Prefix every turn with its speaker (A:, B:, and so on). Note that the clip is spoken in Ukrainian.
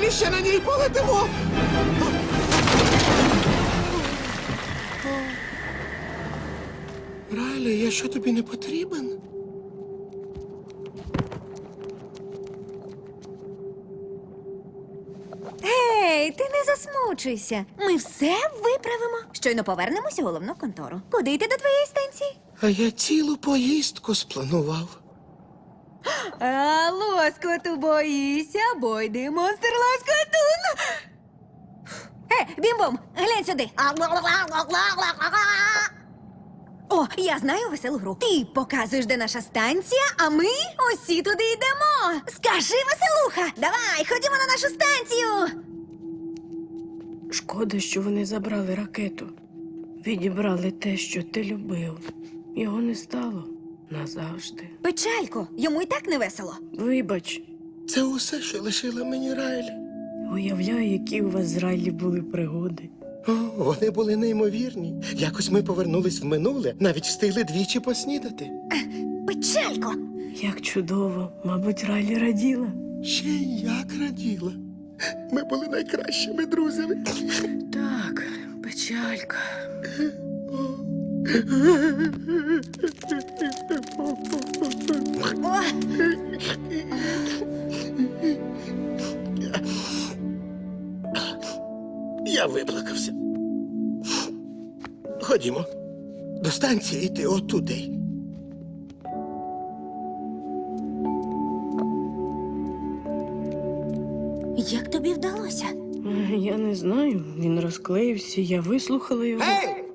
A: Ми ще на ній полетимо. Райлі, я що тобі не потрібен?
B: Ей, ти не засмучуйся. Ми все виправимо. Щойно повернемося у головну контору. Куди йти до твоєї станції?
A: А я цілу поїздку спланував.
B: А лоскоту боїся, бо йди монстр лоскотун. Бім-бом, глянь сюди. О, я знаю веселу гру. Ти показуєш, де наша станція, а ми усі туди йдемо. Скажи, веселуха, давай, ходімо на нашу станцію.
C: Шкода, що вони забрали ракету. Відібрали те, що ти любив. Його не стало назавжди.
B: Печалько, йому і так не весело.
C: Вибач,
A: Це усе, що лишила мені Райлі.
C: уявляю, які у вас з Райлі були пригоди.
A: О, вони були неймовірні. Якось ми повернулись в минуле, навіть встигли двічі поснідати.
B: Печалько.
C: Як чудово, мабуть, Райлі раділа.
A: Ще й як раділа. Ми були найкращими друзями.
C: Так, печалька.
B: О,
A: Я виплакався. Ходімо. До станції йти отуди.
B: як тобі вдалося?
C: Я не знаю, він розклеївся, я вислухала його.
A: Гей!